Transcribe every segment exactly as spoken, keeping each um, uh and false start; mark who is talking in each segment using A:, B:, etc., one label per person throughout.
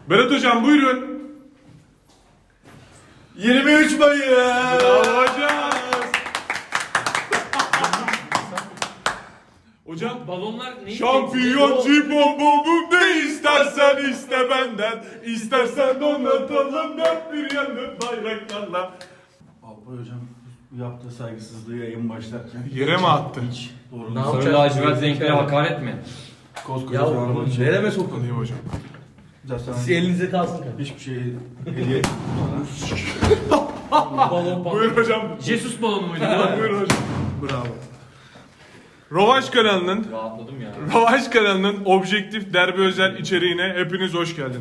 A: Berat hocam buyurun.
B: yirmi üç Mayıs.
A: Bravo hocam. Hocam
C: Balonlar neyi
A: şampiyon cipon buldum ne istersen iste benden. İstersen donatalım dört bir yanı bayraklarla.
B: Alpay hocam bu yaptığı saygısızlığı yayın başlarken
A: Yere mi attı?
B: hiç doğru
C: Ne
B: değil.
C: Sarı
D: yapacak?
C: lacivert renklere hakaret mi?
B: Koskoca
D: Ya
B: Fenerbahçe.
D: oğlum nereme soktun?
A: Tanıyım hocam.
B: Zaten
D: Siz elinize kalsın kanka.
B: hiçbir şey hediye etmiyor
D: Balon balon.
A: Buyur hocam.
C: Jesus balonu muydu?
A: Buyur hocam. Bravo. Rövanş kanalının
C: Rahatladım ya.
A: Rövanş kanalının objektif derbi özel içeriğine hepiniz hoş geldiniz.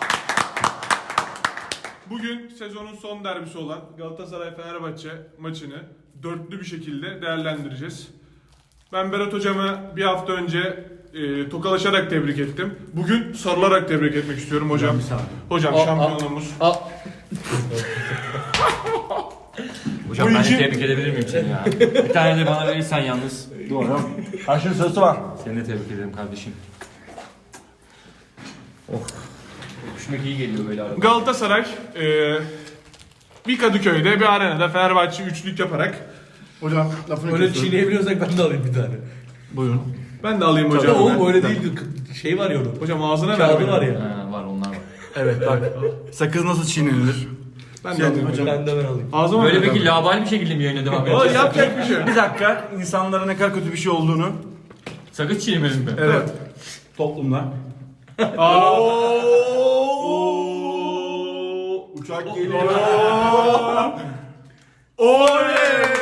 A: Bugün sezonun son derbisi olan Galatasaray-Fenerbahçe maçını dörtlü bir şekilde değerlendireceğiz. Ben Berat hocamı bir hafta önce e, tokalaşarak tebrik ettim. Bugün sarılarak tebrik etmek istiyorum hocam.
B: Bir saniye.
A: Hocam
D: Aa,
A: şampiyonluğumuz.
D: Aa.
C: Hocam
A: Bu
C: ben
A: iki-
C: de tebrik edebilir miyim seni ya? Bir tane de bana verirsen yalnız.
B: ol. Doğru. Karşının sırası var.
C: Seni de tebrik ederim kardeşim. Oh. Öpüşmek iyi geliyor böyle arada.
A: Galatasaray e, bir Kadıköy'de bir arenada Fenerbahçe üçlük yaparak
B: Hocam lafını
D: Öyle
B: kesiyorum.
D: çiğneyebiliyorsak ben de alayım bir tane.
B: Buyurun.
A: ben de alayım
D: Ya
A: hocam.
D: oğlum öyle değildir. Şey var ya onun.
A: Hocam ağzına ver.
D: Kağıdı
A: beni.
D: var ya.
C: Ha, var onlar var.
B: Evet bak. Sakız nasıl çiğnenilir?
A: Ben de
B: Şey,
A: alayım hocam.
B: hocam.
D: Ben de ben alayım.
A: Ağzıma
C: Böyle
A: ver.
C: peki labali bir şekilde mi yayına devam
A: O
C: edeceğiz?
A: yapacak bir şey yok.
B: Bir dakika. İnsanlara ne kadar kötü bir şey olduğunu.
C: Sakız çiğnemedim mi?
B: Evet. Toplumda.
A: Aa.
B: Uçak geliyor.
A: Oley!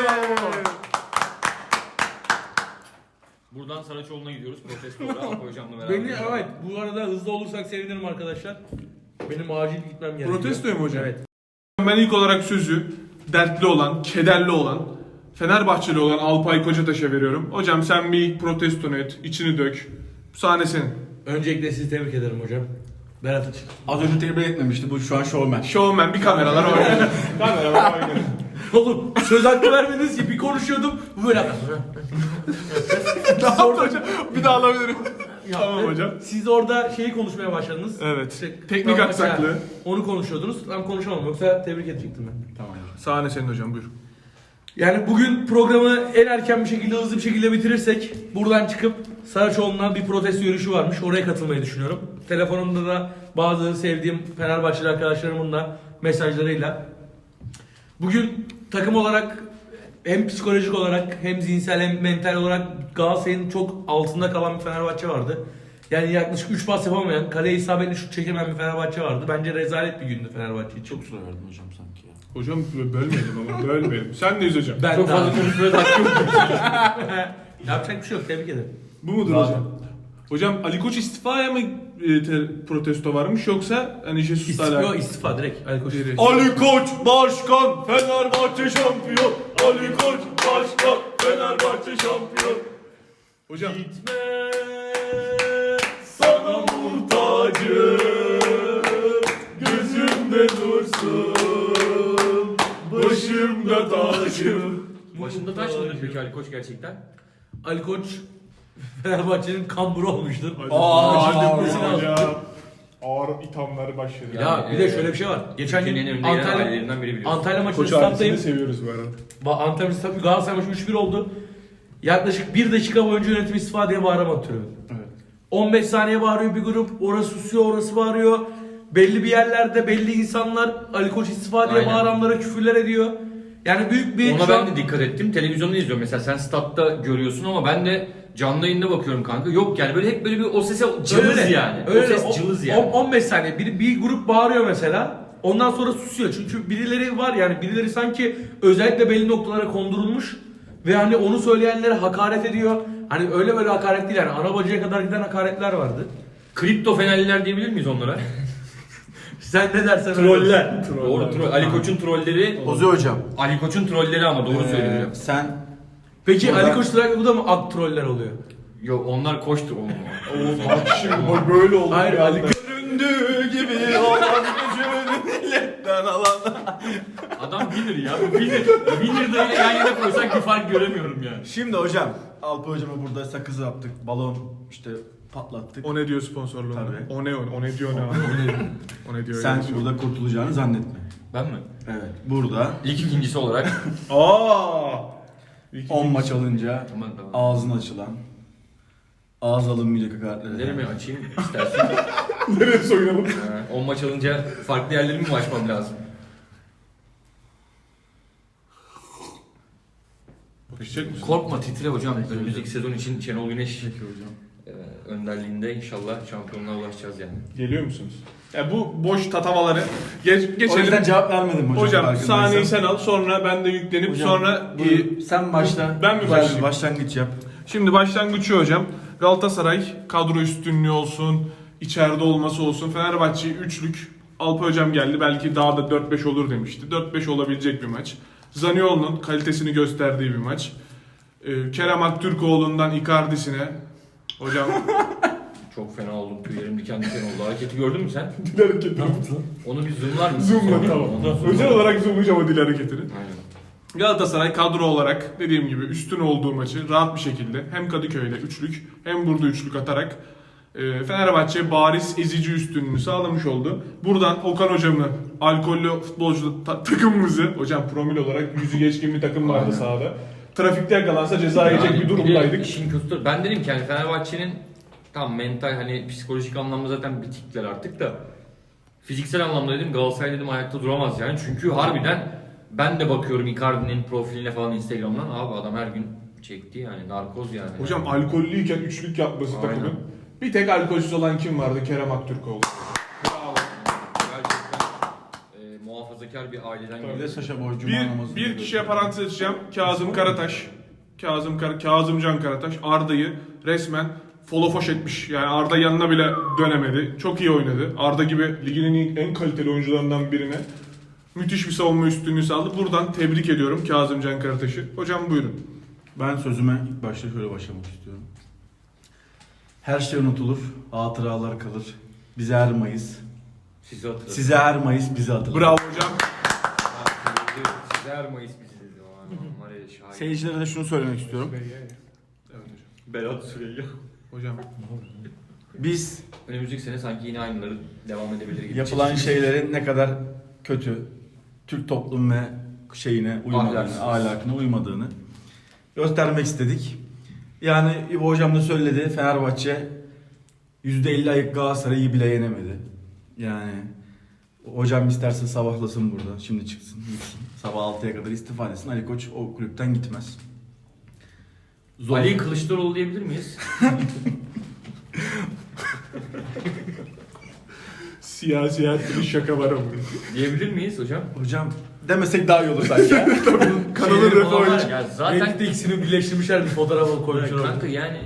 C: Buradan Saraçoğlu'na gidiyoruz. Protestolara Alpa hocamla beraber.
D: Beni evet bu arada hızlı olursak sevinirim arkadaşlar. Benim acil gitmem gerekiyor.
A: Protestoya mı hocam?
D: Evet.
A: Ben ilk olarak sözü dertli olan, kederli olan, Fenerbahçeli olan Alpay Kocataş'a veriyorum. Hocam sen bir ilk protestonu et, içini dök. Sahne senin.
D: Öncelikle sizi tebrik ederim hocam. Berat için.
B: Az önce tebrik etmemişti. Bu şu an showman.
A: Showman bir kameralar oynuyor. kameralar oynuyor.
D: Oğlum söz hakkı vermediniz ki bir konuşuyordum. Bu böyle
A: Ne yaptı hocam? Bir daha alabilirim. Tamam hocam.
D: Siz orada şeyi konuşmaya başladınız.
A: Evet.
D: İşte,
A: Teknik
D: tam
A: aksaklığı.
D: mesela Onu konuşuyordunuz. Tam konuşamam. Yoksa tebrik edecektim ben.
B: Tamam.
A: Sahne senin hocam buyur.
D: Yani bugün programı en erken bir şekilde, hızlı bir şekilde bitirirsek buradan çıkıp Saraçoğlu'na bir protesto yürüyüşü varmış. Oraya katılmayı düşünüyorum. Telefonumda da bazı sevdiğim Fenerbahçeli arkadaşlarımın da mesajlarıyla. Bugün takım olarak hem psikolojik olarak hem zihinsel hem mental olarak Galatasaray'ın çok altında kalan bir Fenerbahçe vardı. Yani yaklaşık üç pas yapamayan, kaleye isabetli şut çekemeyen bir Fenerbahçe vardı. Bence rezalet bir gündü Fenerbahçe için.
B: Çok süre verdim hocam sanki ya.
A: Hocam bölmedim ama bölmedim. Sen neyiz hocam?
D: Ben
C: Çok
D: de
C: fazla
D: abi.
C: konuşmaya da hakkı yok.
D: Yapacak bir şey yok. Tebrik ederim.
A: Bu mudur
B: Bravo.
A: hocam? Hocam Ali Koç istifaya mı e, te- protesto varmış yoksa hani Jesus'la
D: İstifa,
A: alakalı?
D: istifa direkt. Ali Koç.
B: Ali Koç başkan, Fenerbahçe şampiyon. Ali Koç başkan, Fenerbahçe şampiyon.
A: Hocam
B: Gitme sana muhtacım, gözümde dursun, başımda tacım.
C: Başında taş mıdır peki Ali Koç gerçekten?
D: Ali Koç Fenerbahçe'nin kamburu olmuştur.
B: Aa,
A: hadi
B: hadi
A: buyurun
D: hocam.
A: hocam. Ağır ithamları başladı.
D: Ya
C: Yani,
D: bir de
C: e,
D: şöyle bir şey var. Geçen
C: Türkiye'nin
D: gün
C: en önde gelen
D: Antalya,
C: ailelerinden biri biliyorsun.
D: Antalya maçında
A: Koç ailesini
D: stat'tayım.
A: seviyoruz bu arada.
D: Ba- Antalya maçında Galatasaray maçı üç bir oldu. Yaklaşık bir dakika boyunca yönetim istifa diye bağıramadı tribün.
B: Evet.
D: on beş saniye bağırıyor bir grup, orası susuyor, orası bağırıyor. Belli bir yerlerde belli insanlar Ali Koç istifa diye
C: Aynen.
D: bağıranlara küfürler ediyor. Yani büyük bir
C: Ona
D: şu
C: ben
D: an-
C: de dikkat ettim. Televizyonda izliyorum. Mesela sen statta görüyorsun ama ben de canlı yayında bakıyorum kanka. Yok yani böyle hep böyle bir o sese cılız
D: Öyle,
C: yani.
D: Öyle.
C: O ses
D: O-
C: cılız
D: on-
C: yani.
D: on beş saniye bir, bir grup bağırıyor mesela. Ondan sonra susuyor. Çünkü birileri var yani birileri sanki özellikle belli noktalara kondurulmuş ve hani onu söyleyenlere hakaret ediyor. Hani öyle böyle hakaret değil yani ana bacıya kadar giden hakaretler vardı.
C: Kripto fenerliler diyebilir miyiz onlara?
D: Sen ne dersen öyle.
B: Troller.
C: Doğru troll. Ali Koç'un trolleri.
B: Ozi hocam.
C: Ali Koç'un trolleri ama doğru söylüyor.
B: Ee, sen
D: Peki
B: Burada-
D: Ali Koç bu da mı ak troller oluyor?
C: Yok onlar koştu oğlum.
A: Bak şimdi bak böyle oldu.
D: Hayır
A: bir
D: Ali
A: anda.
D: Koç
B: göründüğü gibi olan gücünü milletten alan.
C: Adam bilir ya. Bu bilir. Bilir de öyle yan yana koysak bir fark göremiyorum yani.
B: Şimdi hocam, Alpa hocama burada sakızı yaptık, balon işte patlattık.
A: O ne diyor sponsorluğunda?
B: Tabii.
A: O ne o? O ne diyor ne abi? O ne diyor?
B: Sen
A: öyle bir şey.
B: burada kurtulacağını zannetme.
C: Ben mi?
B: Evet. Burada
C: Lig ikincisi olarak.
A: Aa!
B: on maç alınca
C: Aman tamam.
B: ağzın açılan, ağız alınmayacak hakaretler.
C: Nereye açayım istersen.
A: Nereye soyunalım?
C: Ee, on maç alınca farklı yerlerimi mi açmam lazım?
A: Bakışacak mısın?
C: Korkma titre hocam. Önümüzdeki sezon için Şenol Güneş
B: Peki hocam.
C: e, önderliğinde inşallah şampiyonluğa ulaşacağız yani.
A: Geliyor musunuz? Ya bu boş tatavaları geç,
B: O
A: geçelim.
B: yüzden cevap vermedim hocam.
A: Hocam
B: farkındaysan.
A: sahneyi sen al, sonra ben de yüklenip
B: Hocam,
A: sonra
B: buyur.
A: e,
B: sen başla.
A: Ben mi
B: Güzel bir
A: başlayayım?
B: başlangıç yap.
A: Şimdi başlangıç şu hocam. Galatasaray kadro üstünlüğü olsun, içeride olması olsun. Fenerbahçe üçlük. Alpa hocam geldi. Belki daha da dört beş olur demişti. dört beş olabilecek bir maç. Zaniolo'nun kalitesini gösterdiği bir maç. Ee, Kerem Aktürkoğlu'ndan Icardi'sine. Hocam
C: Çok fena oldum. Tüylerim diken diken oldu. Hareketi gördün mü sen?
A: dil hareketini.
C: Onu bir zoomlar mısın?
A: Zoomla
C: Sonra?
A: tamam.
C: Onu zoomla.
A: Özel olarak zoomlayacağım o dil hareketini.
C: Aynen.
A: Galatasaray kadro olarak dediğim gibi üstün olduğu maçı rahat bir şekilde hem Kadıköy'de üçlük hem burada üçlük atarak e, Fenerbahçe bariz ezici üstünlüğünü sağlamış oldu. Buradan Okan hocamı, alkollü futbolcu ta- takımımızı, hocam promil olarak yüzü geçkin bir takım vardı
C: Aynen.
A: sahada. Trafikte yakalansa ceza yiyecek
C: Yani
A: bir
C: de
A: durumdaydık.
C: işin kötüsü. Ben dedim ki hani Fenerbahçe'nin tam mental hani psikolojik anlamda zaten bitikler artık da fiziksel anlamda dedim Galatasaray dedim ayakta duramaz yani. Çünkü harbiden ben de bakıyorum Icardi'nin profiline falan Instagram'dan abi adam her gün çekti yani narkoz yani.
A: Hocam alkollüyken üçlük yapması
C: Aynen.
A: takımın. Bir tek alkolsüz olan kim vardı? Kerem Aktürkoğlu. Bravo.
C: Gerçekten e, muhafazakar bir aileden
B: Bir de
C: geliyor.
B: Saşa Boy Cuma
A: Bir,
B: namazı.
A: bir kişiye parantez açacağım. Kazım Karataş. Kazım Kar Kazımcan Karataş Arda'yı resmen folofoş etmiş. Yani Arda yanına bile dönemedi. Çok iyi oynadı. Arda gibi ligin en, iyi- en kaliteli oyuncularından birine müthiş bir savunma üstünlüğü sağladı. Buradan tebrik ediyorum Kazımcan Karataş'ı. Hocam buyurun.
B: Ben sözüme ilk başta şöyle başlamak istiyorum. Her şey unutulur, hatıralar kalır. Bize her Mayıs.
C: Sizi hatırladım.
B: Size her Mayıs bizi hatırlar.
A: Bravo hocam.
C: Size her Mayıs bizi dedi. Var ya şahit.
B: Seyircilere de şunu söylemek istiyorum.
A: Evet hocam.
C: Berat Süreyya.
A: Hocam.
B: Biz
C: Önümüzdeki sene sanki yine aynıları devam edebilir gibi.
B: yapılan
C: Çeşitli-
B: şeylerin ne kadar kötü, Türk toplum ve şeyine uymadığını,
C: Ahlaksız.
B: ahlakına uymadığını göstermek istedik. Yani İbo hocam da söyledi, Fenerbahçe yüzde elli ayık Galatasaray'ı bile yenemedi. Yani hocam isterse sabahlasın burada, şimdi çıksın, gitsin. Sabah altıya kadar istifa etsin, Ali Koç o kulüpten gitmez. Zor.
C: Ali Kılıçdaroğlu diyebilir miyiz?
A: Siyasi her türlü şaka var ama.
C: Diyebilir miyiz hocam?
B: Hocam demesek daha iyi olur sanki. ya.
A: Kanalın
C: Şeyleri
A: refahı
C: falan var
A: için.
C: ya,
D: Zaten
C: Zaten
D: ikisini birleştirmişler bir fotoğraf koymuşlar orada.
C: kanka yani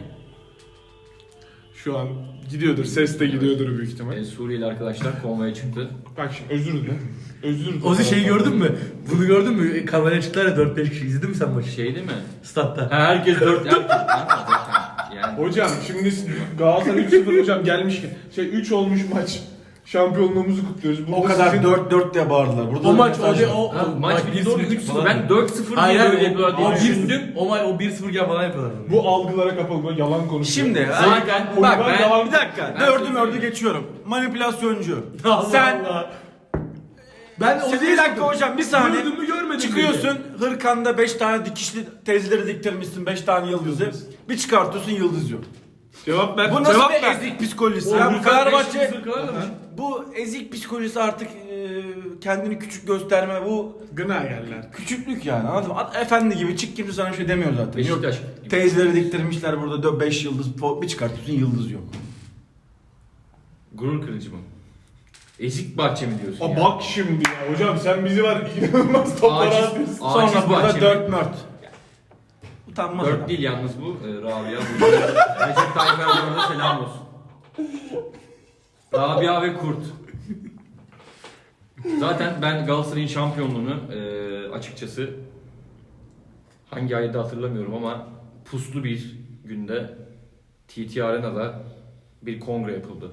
A: Şu an gidiyordur. Ses de gidiyordur büyük ihtimal.
C: e, Suriyeli arkadaşlar konvoya çıktı.
A: Bak şimdi özür dile. Özür dile.
D: Ozi şeyi gördün mü? Bunu gördün mü? Kameraya çıktılar ya dört beş kişi. İzledin mi sen maçı?
C: Şey değil mi?
D: Statta.
C: Ha, herkes dört herkes kanka zaten yani.
A: Hocam şimdi Galatasaray üç sıfır hocam gelmişken şey üç olmuş maç. Şampiyonluğumuzu kutluyoruz. Burada
B: O kadar
A: sizin-
B: dört dört diye bağırdılar. Burada
D: O
B: da
D: maç
B: mesaj
D: o, de,
B: var.
D: o,
C: Ha,
D: o
C: maç bir doğru üç sıfır. Ben dört sıfır diye
D: Hayır
C: böyle
D: hayır.
C: yapıyorlar
D: O, o,
C: diye
D: bir,
C: düşündüm.
D: o, maç o bir sıfır iken falan yapıyorlar.
A: Bu algılara kapalı böyle yalan konuşuyor.
B: Şimdi
C: Zaten
B: bak
A: ben-
B: ben,
A: yalan-
B: bir dakika.
C: Ben-
B: Dördü mördü geçiyorum. Manipülasyoncu.
D: Allah
B: Sen
D: Allah. Ben
B: Sen bir dakika hocam bir saniye.
D: Gördün mü görmedin mi?
B: Çıkıyorsun hırkanda beş tane dikişli tezleri diktirmişsin beş tane yıldızı. Bir çıkartıyorsun yıldız yok.
A: Cevap ver.
B: Bu nasıl
A: cevap
B: bir
A: ver.
B: ezik psikolojisi?
D: O
B: Ya bu
D: Hırkan
B: Fenerbahçe
D: beş yüz kadar da mı?
B: bu ezik psikolojisi artık e, kendini küçük gösterme bu
A: Gına yerler.
B: küçüklük yani anladın mı? At- Efendi gibi çık kimse sana bir şey demiyor zaten.
C: Beşiktaş
B: Yok.
C: gibi.
B: Teyzeleri diktirmişler burada beş yıldız po- bir çıkartıyorsun yıldız yok.
C: Gurur kırıcı mı? Ezik bahçe mi diyorsun
A: Aa,
C: ya?
A: bak şimdi ya hocam sen bizi var inanılmaz toplara
C: Aciz-
A: atıyorsun.
C: Aciz
B: Sonra burada
C: bahçe mi?
B: dört mört. Utanmaz
C: Dört
B: adam.
C: değil yalnız bu e, Rabia. Bu Recep Tayyip Erdoğan'a da selam olsun. Rabia ve Kurt. Zaten ben Galatasaray'ın şampiyonluğunu e, açıkçası hangi ayda hatırlamıyorum ama puslu bir günde T T Arena'da bir kongre yapıldı.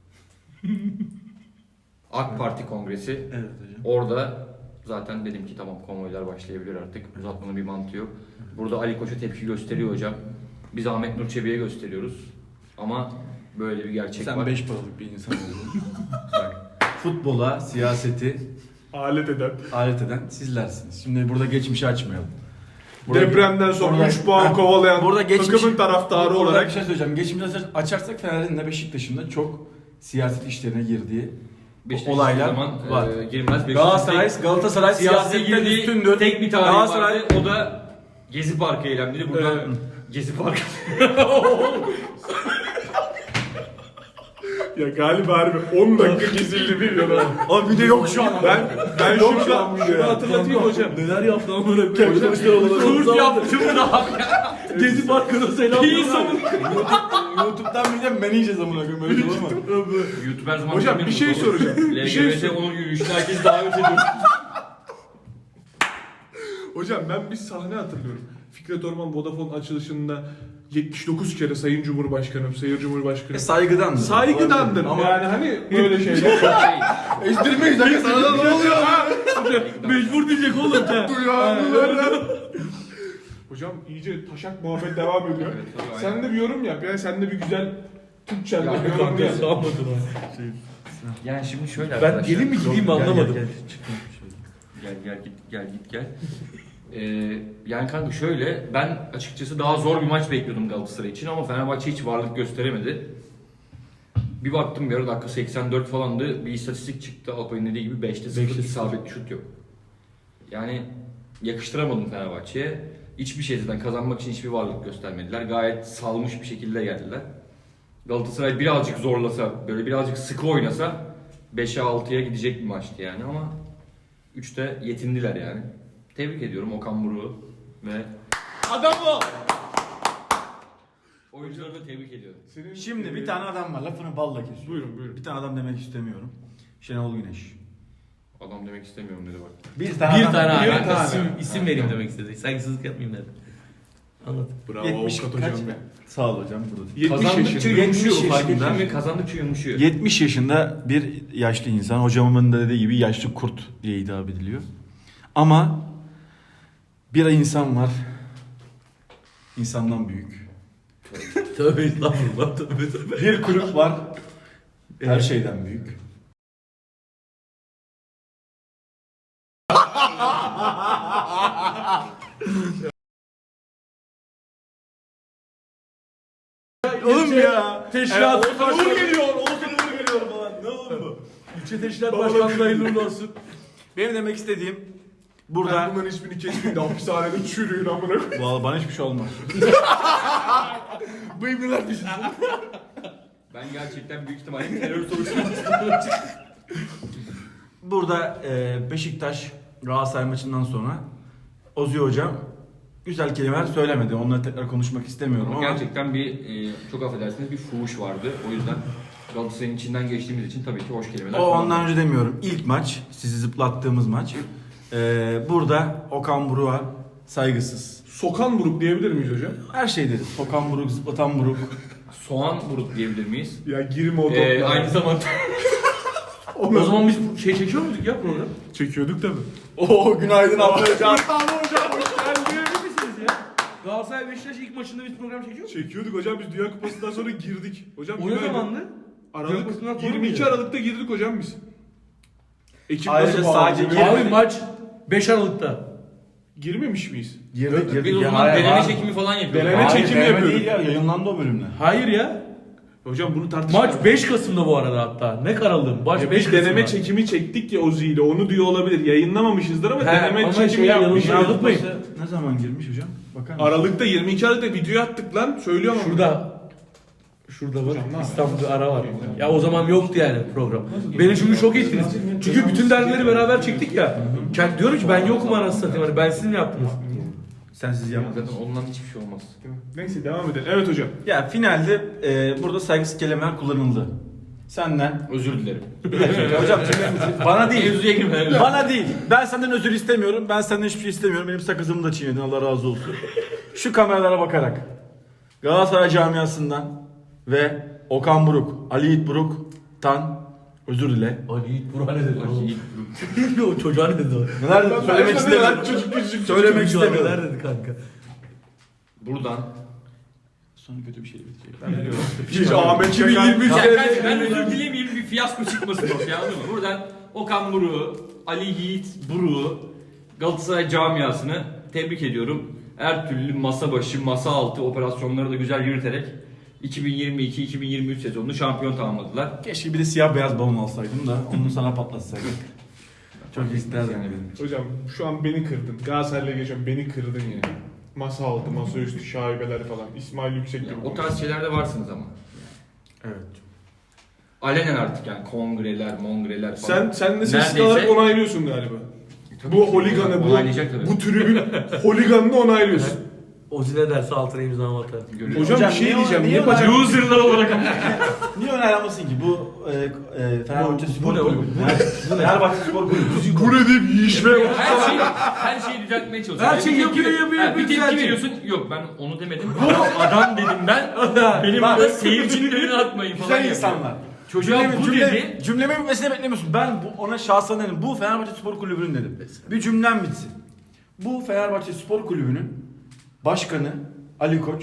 C: AK Parti kongresi.
B: Evet hocam.
C: Orada zaten dedim ki tamam konvoylar başlayabilir artık. Uzatmanın bir mantığı yok. Burada Ali Koç'a tepki gösteriyor hocam. Biz Ahmet Nur Çebi'ye gösteriyoruz. Ama böyle bir gerçek
B: Sen
C: var.
B: beş paralık bir insan oldun. Bak, futbola, siyaseti
A: Alet eden.
B: alet eden sizlersiniz. Şimdi burada geçmişi açmayalım. Burada-
A: Depremden sonra
B: burada-
A: üç puan
B: Heh,
A: kovalayan
B: burada geçmiş-
A: takımın taraftarı
B: burada
A: olarak
B: bir şey söyleyeceğim. Geçmişi açar- açarsak Fener'in de Beşiktaş'ın da çok siyaset işlerine girdiği
C: Beşiktaş
B: olaylar
C: zaman,
B: var.
C: E, girmez. Beşiktaş
B: Galatasaray,
C: tek-
B: Galatasaray
C: siyasete
B: siyasetten
C: girdiği
B: üstündür.
C: tek bir tarihi
B: Galatasaray
C: vardı. O da Gezi Parkı eylemleri. Buradan
A: Evet.
C: Gezi Parkı.
A: ya galiba harbi on dakika kesildi bilmiyorum.
B: o video yok şu an.
A: Ben ben
B: Yok şu
A: şurada
B: an video
A: şunu
B: ya.
A: hatırlatayım hocam.
D: Neler yaptı amına
A: Hocam,
D: koyayım.
C: Kurt yaptım da.
D: Gezi Parkı'na selam.
C: İyi savun.
B: YouTube'dan bir de men yiyeceğiz amına koyayım. Öyle şey olur mu?
C: YouTube her zaman
A: Hocam bir şey soracağım. Bir şey
C: L G B T
A: sor-
C: onur yürüyüşüne herkes davet ediyor.
A: Hocam ben bir sahne hatırlıyorum. Fikret Orman Vodafone açılışında yetmiş dokuz kere Sayın Cumhurbaşkanım, Sayın
B: E,
A: Cumhurbaşkanım.
B: saygıdandır.
A: Saygıdandır ama yani hani böyle şeyler.
C: Şey,
B: Ezdirmeyiz dakika sana da ne oluyor?
D: Mecbur diyecek oğlum sen.
A: Duyarlılar. Hocam iyice taşak muhabbet devam ediyor.
C: Evet, tabii, aynen.
A: Sen de bir yorum yap ya. Sen de bir güzel Türkçe'de
C: Ya,
A: bir yorum
D: Kanka
A: yap.
D: sağmadın ha.
C: yani şimdi şöyle
D: Ben
C: arkadaşlar.
D: gelin mi gideyim mi anlamadım.
C: Gel gel git gel git gel. Ee, yani kanka şöyle ben açıkçası daha zor bir maç bekliyordum Galatasaray için ama Fenerbahçe hiç varlık gösteremedi. Bir baktım bir ara dakika seksen dört falandı bir istatistik çıktı Alpay'ın dediği gibi beşte sıfır
D: beşte sıfır.
C: isabetli şut yok. Yani yakıştıramadım Fenerbahçe'ye. Hiçbir şeyden kazanmak için hiçbir varlık göstermediler. Gayet salmış bir şekilde geldiler. Galatasaray birazcık zorlasa, böyle birazcık sıkı oynasa beşe altıya gidecek bir maçtı yani ama üçte yetindiler yani. Tebrik ediyorum Okan Buruk'u ve
B: Adam o.
C: oyuncuları da tebrik ediyorum.
A: Senin,
B: Şimdi
A: e,
B: bir tane adam var lafını balla kesiyor.
A: Buyurun buyurun.
B: Bir tane adam demek istemiyorum. Şenol Güneş.
C: Adam demek istemiyorum dedi bak.
B: Bir tane
D: Bir
B: adam.
D: tane
A: bir
D: abi.
A: tane.
D: İsim, isim vereyim demek istedi. Saygısızlık yapmayayım dedim. Anlat.
A: Bravo
B: yetmiş
A: avukat
B: kaç?
A: hocam be.
B: Sağ ol hocam. Burada.
A: yetmiş
C: Kazandıkça
A: yaşında.
C: yumuşuyor
B: yetmiş
C: fark
B: yaşında.
C: ettin mi? Kazandıkça yumuşuyor.
B: yetmiş yaşında bir yaşlı insan. Hocamın da dediği gibi yaşlı kurt diye hitap ediliyor. Ama bir insan var. İnsandan büyük.
D: Tövbe estağfurullah. Tövbe tövbe.
B: Bir kulüp var. Her şeyden büyük. Oğlum ya.
D: Teşkilat.
B: Evet, Uğur geliyor. Oğuzhan Uğur geliyor falan. Ne oğlum bu?
D: İlçe Teşkilat Başkanlığı hayırlı uğurlu olsun.
B: Benim demek istediğim
A: Ben
B: burada...
A: bunların hiçbirini kesmeyeyim de hapishanede çürüyün amına koyayım.
B: Vallahi bana hiçbir şey olmaz. Bu ibneler düşünsün.
C: Ben gerçekten büyük ihtimalle terör soruşturması
B: Burada e, Beşiktaş Galatasaray maçından sonra Ozi hocam güzel kelimeler söylemedi. Onları tekrar konuşmak istemiyorum
C: Ama
B: ama
C: gerçekten bir, e, çok affedersiniz bir fuhuş vardı. O yüzden Galatasaray'ın içinden geçtiğimiz için tabii ki hoş kelimeler.
B: o ondan
C: kullanmadım.
B: önce demiyorum. İlk maç, sizi zıplattığımız maç. E, burada Okan Buruk'a saygısız.
A: Sokan Buruk diyebilir miyiz hocam?
B: Her şey deriz. Okan Buruk, zıplatan Buruk.
C: Soğan buruk diyebilir miyiz?
A: Ya girme o
C: Ee,
A: toplara.
C: aynı zamanda
A: Onu
D: O zaman biz bu şey çekiyor muyduk ya program?
A: çekiyorduk tabii.
B: Oo günaydın abla hocam.
A: Tamam hocam hoş geldin.
D: Emin misiniz ya? Galatasaray Beşiktaş ilk maçında biz program çekiyor muyduk?
A: Çekiyorduk hocam biz Dünya Kupası'ndan sonra girdik. Hocam
D: O ne
A: günaydın.
D: zamandı? Dünya
A: Aralık
D: Kupası'ndan sonra
A: yirmi iki
D: mıydı?
A: Aralık'ta girdik hocam biz. Ekip
B: Ayrıca
A: nasıl
B: sadece
A: bağlı?
B: gir-
D: Abi maç beş Aralık'ta.
A: Girmemiş miyiz?
B: Girdik girdik.
C: biz o
B: Ya,
C: zaman
B: hayır,
C: deneme
B: abi.
C: çekimi falan yapıyorduk.
A: Deneme
B: Hayır,
A: çekimi
B: deneme
A: yapıyorduk.
B: değil ya, yayınlandı o bölümler.
D: Hayır ya.
A: Hocam bunu tartışalım.
D: Maç beş Kasım'da bu arada hatta. Ne karalım? Maç
A: Ya
D: beş
A: biz
D: Kasım'da.
A: deneme çekimi çektik ya Ozi ile onu diyor olabilir. Yayınlamamışızdır ama
D: He,
A: deneme
D: ama
A: çekimi
D: şey
A: yapmışız.
D: yanlış anlatmayın.
B: Ne zaman girmiş hocam? Bakar mısın?
A: Aralık'ta yirmi iki Aralık'ta video attık lan. Söylüyorum ama.
D: Şurada. Şurada bak
A: Hocam, ne
D: İstanbul'da ara var. Ya o zaman yoktu yani program. Beni çünkü şok ettiniz. Çünkü bütün dergileri beraber çektik ya. Kend diyorum ki ben yokum anasını satayım. Hani ben siz mi yaptınız?
B: Sensiz yapmadın.
C: Zaten ondan hiçbir şey olmaz.
A: Neyse devam edelim. Evet hocam.
B: Ya finalde e, burada saygısız kelimeler kullanıldı. Senden.
C: Özür dilerim.
B: Bir dakika hocam şimdi bana değil.
C: Mevzuya girme.
B: Bana değil. Ben senden özür istemiyorum. Ben senden hiçbir şey istemiyorum. Benim sakızımı da çiğnedin. Allah razı olsun. Şu kameralara bakarak Galatasaray camiasından ve Okan Buruk, Ali Yiğit Buruk'tan özür dile.
D: Ali Yiğit Burak ne dedi?
C: Yiğit
D: O çocuğa ne dedi o?
B: Neler
A: Ben
B: söylemek
A: de
B: istemiyorum.
A: Çocuk küçük
B: Söylemek
D: Çocuğa
B: istemiyorum.
D: neler dedi kanka?
C: Buradan
B: Sonra kötü bir şey bitecek. Ben biliyorum.
A: Hiç Ahmet
D: iki bin yirmi üç
A: Çakar.
C: Ya kardeşim ben özür dilemeyeyim bir fiyasko çıkmasın ortaya anladın mı? Buradan Okan Buruk'u, Ali Yiğit Buruk'u, Galatasaray camiasını tebrik ediyorum. Her türlü masa başı, masa altı operasyonları da güzel yürüterek iki bin yirmi iki iki bin yirmi üç sezonunu şampiyon tamamladılar.
B: Keşke bir de siyah beyaz balon alsaydım da onu sana patlatsaydım. Çok isterdim.
C: Yani
A: Hocam şu an beni kırdın. Galatasaray'la geçiyorum beni kırdın ya. Masa altı, masa üstü şaibeler falan. İsmail Yüksek gibi.
C: yani o tarz şeylerde varsınız ama.
B: Evet.
C: Alenen artık yani kongreler, mongreler falan.
A: Sen sen de sessiz
C: Neredeyse-
A: kalarak onaylıyorsun galiba.
C: Tabii
A: Bu
C: ki
A: holiganı, bu,
C: onaylayacak tabii.
A: bu tribün holiganını onaylıyorsun.
D: Ozi ne derse altına imza atar.
C: Görüyorum.
A: Hocam,
B: Hocam
A: bir şey
B: niye-
A: diyeceğim.
B: niye
A: Niye
B: onay-
A: bacak...
C: Loserlar olarak.
B: Niye önermesin ki bu e, e, Fenerbahçe
D: Bu-
B: Spor
D: bu ne
B: Kulübü?
D: oğlum?
B: Fenerbahçe Spor Kulübü.
A: Bu ne deyip yiyişmeye
C: Her şeyi, her şeyi düzeltmeye çalışıyor.
D: Her şeyi
C: Bir tepki-
D: yapıyor, yapıyor,
C: Ha,
D: yapıyor,
C: Bir tepki
D: düzeltiyor.
C: veriyorsun. Yok ben onu demedim. Adam, adam dedim ben. Benim
B: Bak-
C: burada seyircinin önüne atmayın falan.
B: Güzel
C: yapıyor.
B: insanlar.
C: Çocuğa
B: Cümlemi-
C: bu
B: cümle-
C: dedi.
B: Cümlemin bitmesini beklemiyorsun. Ben bu, ona şahsen dedim. Bu Fenerbahçe Spor Kulübü'nün dedim. Bir cümlem bitsin. Bu Fenerbahçe Spor Kulübü'nün başkanı Ali Koç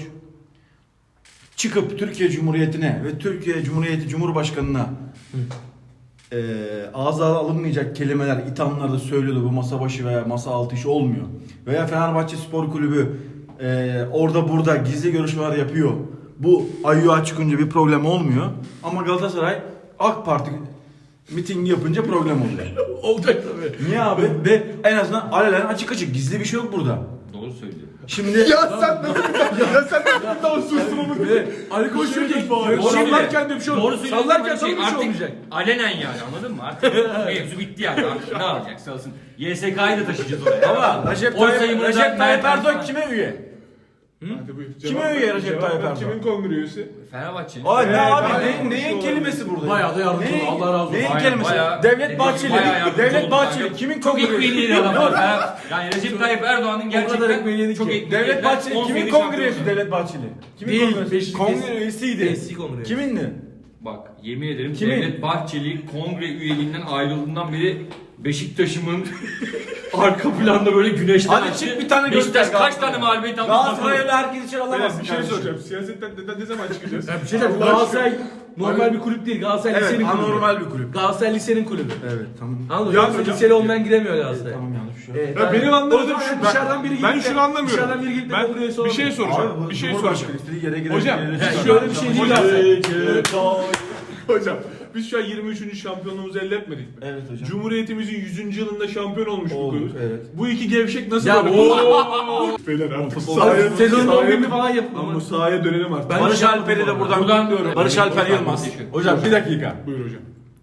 B: çıkıp Türkiye Cumhuriyeti'ne ve Türkiye Cumhuriyeti Cumhurbaşkanı'na eee ağza alınmayacak kelimeler, ithamlar da söylüyordu. Bu masa başı veya masa altı iş olmuyor. Veya Fenerbahçe Spor Kulübü eee, orada burada gizli görüşmeler yapıyor. Bu ayyuğa çıkınca bir problem olmuyor. Ama Galatasaray AK Parti mitingi yapınca problem oluyor.
D: Olacak tabii.
B: Niye abi? Ve en azından alenen açık açık gizli bir şey yok burada.
C: Doğru söylüyor.
B: Şimdi
A: Ya sen nasıl... ya sen nasıl daha sussun onu?
D: Ali Koç diyor ki
A: Doğru
D: sallarken de bir şey
C: Doğru
D: olmayacak.
C: söylüyorsun.
D: Sallarken
C: Hani
D: tabii bir şey
C: artık
D: olmayacak.
C: alenen yani anladın mı? Artık mevzu bitti yani. Artık ne alacak salsın. Y S K'yı da taşıyacağız oraya.
B: ama Recep
C: Oy
B: Tayyip,
C: sayımını da
B: Recep Tayyip
C: Mertens
B: Erdoğan
C: falan.
B: kime üye?
A: Hadi buyur.
B: Kime
A: Cevap
B: üye
A: ver,
B: Recep
A: cevap
B: Tayyip
A: ver.
B: Erdoğan?
A: Kimin kongre üyesi?
C: Fenerbahçe'nin.
B: Ay ne
A: Evet,
B: abi
A: aynen.
B: neyin, neyin kelimesi burada?
D: Bayağı da yardımcı
B: Neyin-
D: oldu. Allah razı olsun.
B: Neyin
C: Bayağı-
B: kelimesi?
C: bayağı-
B: Devlet Bahçeli.
C: Bayağı yardımcı
B: Devlet
C: oldu
B: Bahçeli.
C: kanka.
B: Kimin
C: Çok
B: kongresi?
C: ekmeğini adam var. Fener- Yani Recep Tayyip Erdoğan'ın
D: kadar
C: gerçekten
D: ekmeğini yedi
C: çok
D: ki.
C: ekmeğini
B: Devlet
C: yediler.
B: Bahçeli
C: on
B: kimin
C: sekiz
B: kongresi
C: şampiyon.
B: Devlet Bahçeli? Kimin
D: Değil,
B: kongresi?
D: Beşiktaş-
B: Kongre üyesiydi.
D: Eski kongre.
B: Kimindi?
C: Bak yemin ederim
B: Kimin?
C: Devlet Bahçeli kongre üyeliğinden ayrıldığından beri Beşiktaş'ımın arka planda böyle güneşten
B: Hadi
C: açtı.
B: çık bir tane
C: Beşiktaş
B: göster
C: kaç
B: Galatasaray.
C: tane mağlubiyet aldı?
B: Galatasaray'la herkes içeri
A: Beyler,
B: alamaz.
A: bir şey soracağım. Siyasetten neden ne zaman çıkacağız?
D: Ya bir şey diyeceğim.
A: Allah
D: Galatasaray normal bir kulüp değil. Galatasaray
B: Evet,
D: lisenin kulübü.
B: anormal bir kulüp.
D: Galatasaray lisenin kulübü.
B: Evet, tamam.
D: Anladın mı?
A: Ya
D: Galatasaray
A: hocam-
D: liseli olmayan giremiyor Galatasaray.
B: Tamam yanlış bir şey.
D: Evet,
A: Ya
D: yani-
A: benim anlamadığım
D: O zaman
A: şu.
D: dışarıdan biri
A: Ben,
D: gidip
A: ben
D: de-
A: şunu anlamıyorum.
D: Dışarıdan biri gidip de
A: Ben
D: kongre üyesi
A: bir şey
D: olamıyor.
A: soracağım.
B: Abi, bu
A: bir şey
B: Cumhurbaşkanı
A: soracağım.
B: istediği yere girer.
A: Hocam,
B: girer-
A: yani
B: girer-
A: şöyle bir
D: şey
B: Hocam-
D: değil
B: Hocam-
A: Hocam biz şu an yirmi üçüncü şampiyonluğumuzu elde etmedik mi?
B: Evet hocam.
A: Cumhuriyetimizin yüzüncü yılında şampiyon olmuş bu
B: Olduk,
A: kulüp.
B: evet.
A: Bu iki gevşek nasıl
D: Ya
A: böyle?
D: bu-
A: Oo! Beyler artık
B: Futbol-
A: sahaya,
D: Sezonun on birini
A: sahaya,
D: falan yapın
A: ama
D: ama.
A: sahaya dönelim artık.
D: Ben-
B: Barış
D: şey
B: Alper'i de
D: yapmadım
B: buradan
C: Buradan-
B: kutluyorum. Barış Alper
C: Buradan-
B: Yılmaz.
C: Teşekkür.
B: Hocam bir dakika.
A: Buyur hocam.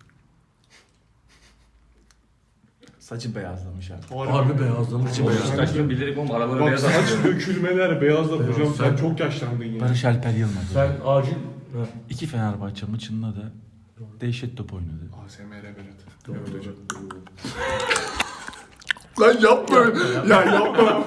B: Saçı beyazlamış abi.
D: Harbi beyazlamış.
C: O Beşiktaş'ın bilerek oğlum aralara
A: Bak
C: beyaz
A: saç
C: atıyor.
A: dökülmeler, beyazlar hocam sen
D: sen-
A: çok yaşlandın ya.
B: Barış Alper Yılmaz.
D: Sen acil... Ha.
B: İki Fenerbahçe maçında da dehşet top oynadı.
A: A S M R Berat. Evet hocam. Lan yapma öyle. Ya yapma.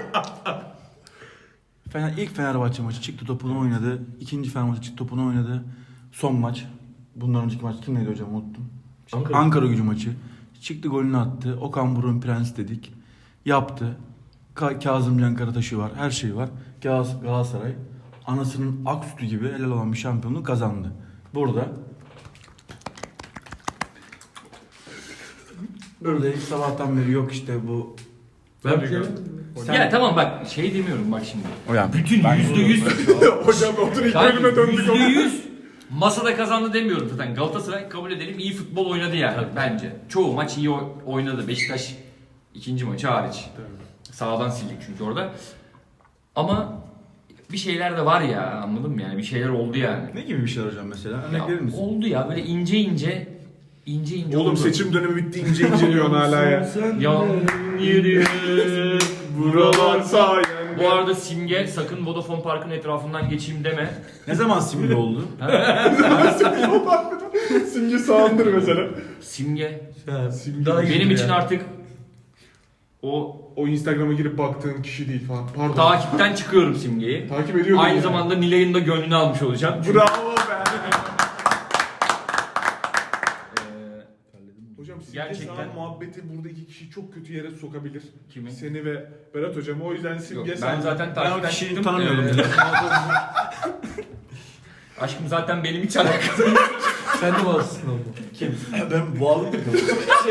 B: Fener, ilk Fenerbahçe maçı çıktı topunu oynadı. İkinci Fenerbahçe çıktı topunu oynadı. Son maç. Bundan önceki maç kim neydi hocam unuttum.
D: Ankara.
B: Ankara Gücü maçı. Çıktı golünü attı. Okan Buruk'un prens dedik. Yaptı. Ka- Kazımcan Karataş'ı var. Her şey var. Gal- Galatasaray anasının ak sütü gibi helal olan bir şampiyonluğu kazandı. Burada Burada ilk sabahtan beri yok işte bu.
D: Ben bir şey...
B: Sen-
C: Ya tamam bak şey demiyorum bak şimdi.
B: Hocam,
C: Bütün
B: ben-
C: yüzde yüz
A: Hocam otur ilk bölüme döndük.
C: yüzde yüz masada kazandı demiyorum zaten. Galatasaray kabul edelim iyi futbol oynadı yani bence. Çoğu maç iyi oy- oynadı. Beşiktaş ikinci maçı hariç. Sağdan sildik çünkü orada. Ama bir şeyler de var ya anladın mı yani bir şeyler oldu yani.
B: Ne gibi bir şeyler hocam mesela?
C: Ya,
B: Örnek verir misin?
C: oldu ya böyle ince ince ince ince
A: Oğlum
C: oldu.
A: seçim dönemi bitti ince ince diyorsun hala ya.
C: Yan yürü
A: Buralar sayende.
C: Bu arada Simge sakın Vodafone Park'ın etrafından geçeyim deme.
B: Ne zaman simge oldu?
A: Simge sağındır mesela.
C: Simge
A: Simge.
D: Daha iyi
C: benim
D: ya.
C: için artık o
A: O Instagram'a girip baktığın kişi değil falan. Pardon.
C: takipten çıkıyorum Simge'yi.
A: Takip ediyordum.
C: Aynı
A: ya.
C: zamanda Nilay'ın da gönlünü almış olacağım. Çünkü,
A: Bravo be.
C: eee,
A: Hocam Simge
C: Gerçekten-
A: Sağan muhabbeti burada iki kişiyi çok kötü yere sokabilir.
C: Kimi?
A: Seni ve Berat hocam. O yüzden
C: Yok,
A: Simge
C: ben
A: Sağan.
C: zaten
B: Ben o
C: takipten
B: kişiyi
C: çıktım.
B: tanımıyordum.
C: Eee, Aşkım zaten benim hiç alakası.
D: Sen de bazısın oğlum.
B: Kim? Ben boğalık takıldım.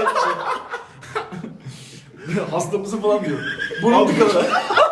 B: Hasta mısın falan diyor. Bunun tıkalı.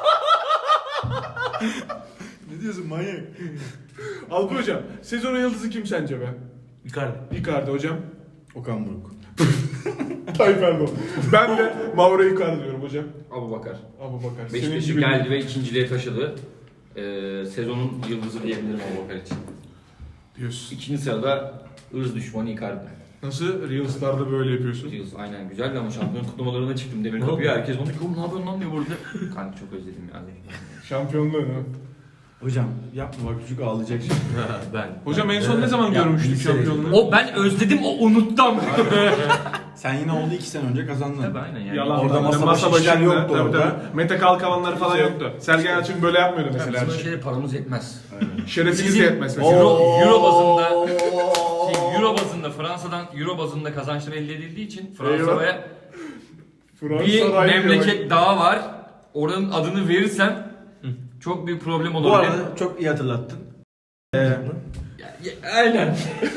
B: Ne diyorsun manyak?
A: Alp hocam, sezonun yıldızı kim sence be?
D: Icardi.
A: Icardi hocam.
B: Okan Buruk.
A: Tayyip Erdoğan. Ben de Mauro Icardi diyorum hocam.
C: Abu Bakar.
A: Abu Bakar.
C: Beşiktaş'ı
A: gibi-
C: geldi ve ikinciliğe taşıdı. Ee, sezonun yıldızı diyebilirim Abu Bakar için.
A: diyorsun.
C: İkinci sırada ırz düşmanı Icardi.
A: Nasıl? Reels'larda böyle yapıyorsun.
C: Yıldız aynen güzeldi ama şampiyon kutlamalarına çıktım demir
D: Ne
C: kapıya.
D: oldu?
C: Herkes bana oğlum ne yapıyorsun lan diyor burada. Kanka çok özledim yani.
A: Şampiyonluğu ne?
B: Hocam yapma bak çocuk ağlayacak şimdi.
C: ben.
A: Hocam en son ne zaman görmüştük
D: bir sene-
A: şampiyonluğu?
C: O ben özledim o unuttum.
B: Sen yine oldu iki sene önce kazandın.
C: Tabii aynen yani.
A: Yalan.
B: Orada
A: Orada
B: masa başı işler yoktu
A: tabii,
B: orada.
A: tabii. Mete Kalkavanlar falan
B: Şey-
A: yoktu. Sergen Yalçın böyle yapmıyordu
C: Mesela
A: mesela.
C: bizim şeyde paramız yetmez.
A: Şerefiniz de
C: Bizim-
A: yetmez mesela.
C: Euro- Euro bazında- Şey, Euro bazında Fransa'dan Euro bazında kazançlar elde edildiği için Fransa'ya bir
A: Fransa Rayı
C: memleket daha var. Oranın adını verirsem çok büyük problem olur.
B: Bu arada çok iyi hatırlattın. Ee,
C: Ya- ya- aynen.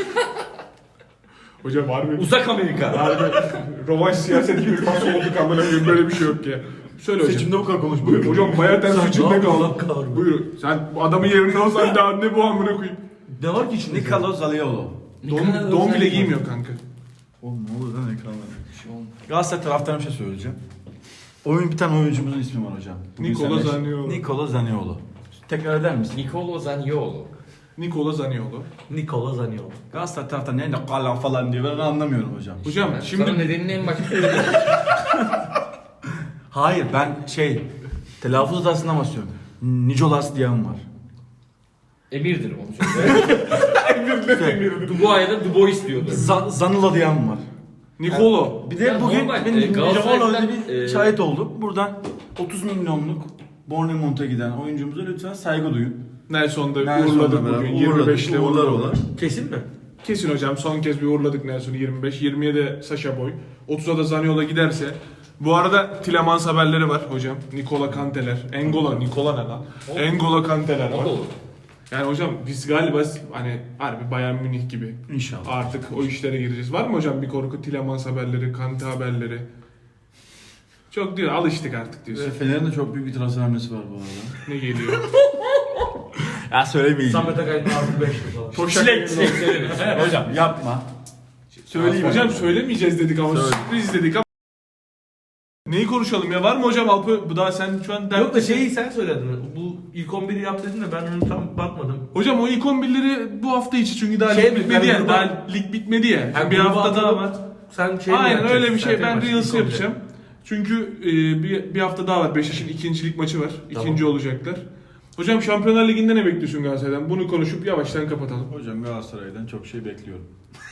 A: Hocam var mı?
C: Uzak Amerika.
A: Harbi rovanş siyaset gibi nasıl olduk amına koyayım böyle bir şey yok ya. Söyle hocam.
B: seçimde bu kadar konuş.
A: Buyur hocam bayağı ters içinde
D: ne
A: kaldı.
D: yapıyorsun?
A: Buyur. Sen bu adamın yerinde olsan daha ne bu amına koyayım.
D: Ne var ki içinde?
B: Nikolo Zaniolo.
A: Don, don bile giymiyor kanka.
B: Oğlum ne olur lan ekranlar.
C: Şey olmaz.
B: Galatasaray taraftarına bir şey söyleyeceğim. Oyun bir tane oyuncumuzun ismi var hocam. Bugün
A: Nikola
B: seninle-
A: Zaniolo.
B: Nikola Zaniolo. Tekrar eder misin?
C: Nicolo Zaniolo.
A: Nikola Zaniolo.
D: Nikola Zaniolo.
B: Galatasaray taraftarı ne Nikola falan diyor ben onu anlamıyorum hocam.
A: Hocam
C: Ben
A: şimdi
C: Sana nedenini en başta söyledim.
B: Hayır ben şey telaffuz hatasından bahsediyorum. Nicolas diyen var.
C: Emirdir onu söyle. Dubois'a da Dubois diyordu.
B: Z- Zanula diyen var.
A: Nikolo.
B: Bir de
C: Ya
B: bugün
C: normal,
B: benim
C: e,
B: Nicola
C: Galatasaray'dan,
B: bir
C: e,
B: şahit oldum. Buradan otuz milyonluk Bournemouth'a giden oyuncumuza lütfen saygı duyun.
A: Nelson'da
B: Nelson'la
A: uğurladık
B: beraber
A: bugün.
B: uğurladık,
A: yirmi beşte
B: uğurlar
A: uğurladık.
B: olar.
D: Kesin mi?
A: Kesin hocam son kez bir uğurladık Nelson'u yirmi beş. yirmiye de Sasha Boy. otuza da Zaniolo giderse. Bu arada Tielemans haberleri var hocam. Nikola Kanteler. Engola. Nikola ne lan? Engola Kanteler
C: O
A: var.
C: da olur.
A: Yani hocam biz galiba hani harbi Bayern Münih gibi
B: İnşallah.
A: artık o işlere gireceğiz. Var mı hocam bir korku Tielemans haberleri, Kante haberleri? Çok diyor alıştık artık
B: Ve
A: diyorsun.
B: Fener'in de çok büyük bir transfer hamlesi var bu arada.
A: Ne geliyor?
B: Ya söylemeyin.
D: Samet Akay'ın artı beş falan.
A: Toşak
C: Çilek çilek söyleriz.
B: Hocam yapma. Söyleyeyim
A: Hocam söylemeyeceğiz dedik ama
B: Söyle.
A: sürpriz dedik ama. Neyi konuşalım ya? Var mı hocam Alpı? Bu daha sen şu an der.
D: Yok da şeyi sen söyledin. Bu ilk on biri yap dedin de ben onu tam bakmadım.
A: Hocam o ilk on birleri bu hafta içi çünkü daha
D: Şey
A: lig
D: mi?
A: bitmedi
D: Ben
A: ya.
D: gruba-
A: Daha lig bitmedi ya.
D: Yani
A: bir
D: gruba
A: hafta daha
D: atalım.
A: var.
D: Sen şey mi
A: Aynen
D: yapacaksın?
A: öyle bir şey.
D: Sen
A: Ben
D: tek
A: Reels
D: başına ilk on
A: yapacağım. Çünkü e, bir, bir hafta daha var. Beşiktaş'ın ikincilik maçı var.
D: Tamam.
A: İkinci olacaklar. Hocam Şampiyonlar Ligi'nde ne bekliyorsun Galatasaray'dan? Bunu konuşup yavaştan kapatalım.
B: Hocam Galatasaray'dan çok şey bekliyorum.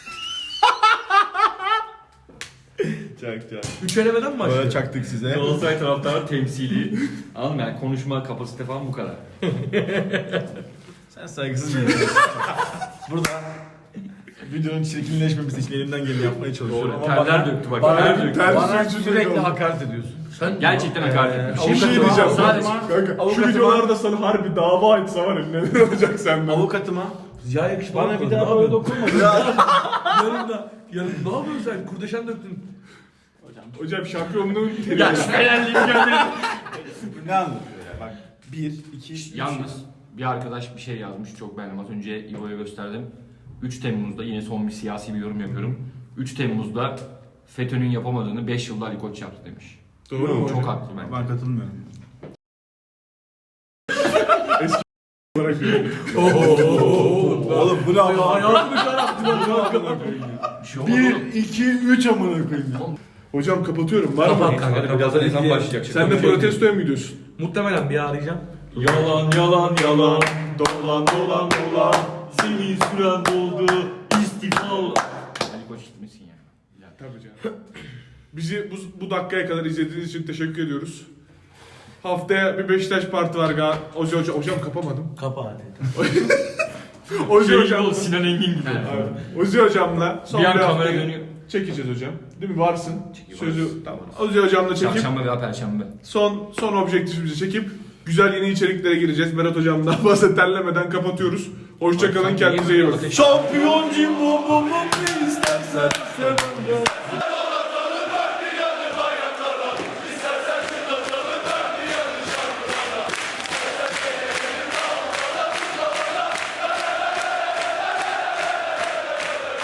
B: çak çak.
D: Üç elemeden mi başlıyor?
B: Böyle çaktık size.
C: Galatasaray taraftarı temsili. Anladın mı? Yani konuşma kapasite falan bu kadar.
B: Sen saygısız bir insansın. Burada videonun çirkinleşmemesi için elimden geleni yapmaya çalışıyorum.
C: Doğru.
B: Ama
C: Terler
B: bana-
C: döktü bak.
B: Bana,
C: Terler döktü.
A: Ter
B: bana
A: sürücü
B: sürekli
A: oldu.
B: hakaret ediyorsun.
D: Sen
C: Gerçekten hakaret
D: Ee,
C: etmiş.
A: Bir şey
B: Avukatıma-
A: diyeceğim.
C: Sadece-
A: Kanka, şu
B: Avukatıma-
A: videolarda sana harbi dava açsa var ya neler olacak senden.
B: Avukatıma
D: Ya yakışıklı
B: bana
D: olmadın,
B: bir daha
D: ne
B: böyle
D: yapıyorsun?
B: dokunma.
D: Yarın da. Yarın ne yapıyorsun sen? Kurdeşen döktün.
A: Hocam şampiyonluğun
C: Ya
A: terörü.
C: şu Fenerli'yi gördüm.
B: Ne anlatıyor ya? Bak bir, iki, üç.
C: Yalnız bir arkadaş bir şey yazmış çok beğendim. Az önce İbo'ya gösterdim. üç Temmuz'da yine son bir siyasi bir yorum yapıyorum. üç Temmuz'da FETÖ'nün yapamadığını beş yılda Ali Koç yaptı demiş.
A: Doğru mu
C: Çok
A: hocam?
C: haklı bence.
B: Ben katılmıyorum. Oğlum bu ne ama?
D: Hayatını kararttın.
C: Bir şey olmaz oğlum.
B: bir, iki, üç amına koyayım ya.
A: Hocam kapatıyorum. Var mı?
D: Kapat kanka.
C: Birazdan ezan
D: Diye-
C: başlayacak.
A: Sen de protestoya mı gidiyorsun?
D: Muhtemelen bir arayacağım.
C: Yalan yalan yalan.
A: Dolan dolan dolan.
C: Seni süren doldu. İstifa ol. Ali Koç gitmesin ya. Ya.
A: Tabii canım. Bizi bu, bu dakikaya kadar izlediğiniz için teşekkür ediyoruz. Haftaya bir Beşiktaş parti var gal. Ozi hocam, hocam kapamadım.
D: Kapa hadi.
A: Ozi
C: Şey
A: hocam.
C: ol, Sinan Engin gibi.
A: Evet. Ozi hocamla son
C: Bir
A: bir,
C: an kamera
A: haftayı
C: dönüyor.
A: çekeceğiz hocam. Değil mi? Varsın.
C: Çekiyor,
A: Sözü
C: varız.
A: tamam. Ozi hocamla çekip
C: Çarşamba veya Perşembe.
A: son son objektifimizi çekip güzel yeni içeriklere gireceğiz. Berat Hocam daha fazla terlemeden kapatıyoruz. Hoşçakalın, kendinize iyi bakın.
B: Şampiyon Jimbo Bobo ne istersen söyle.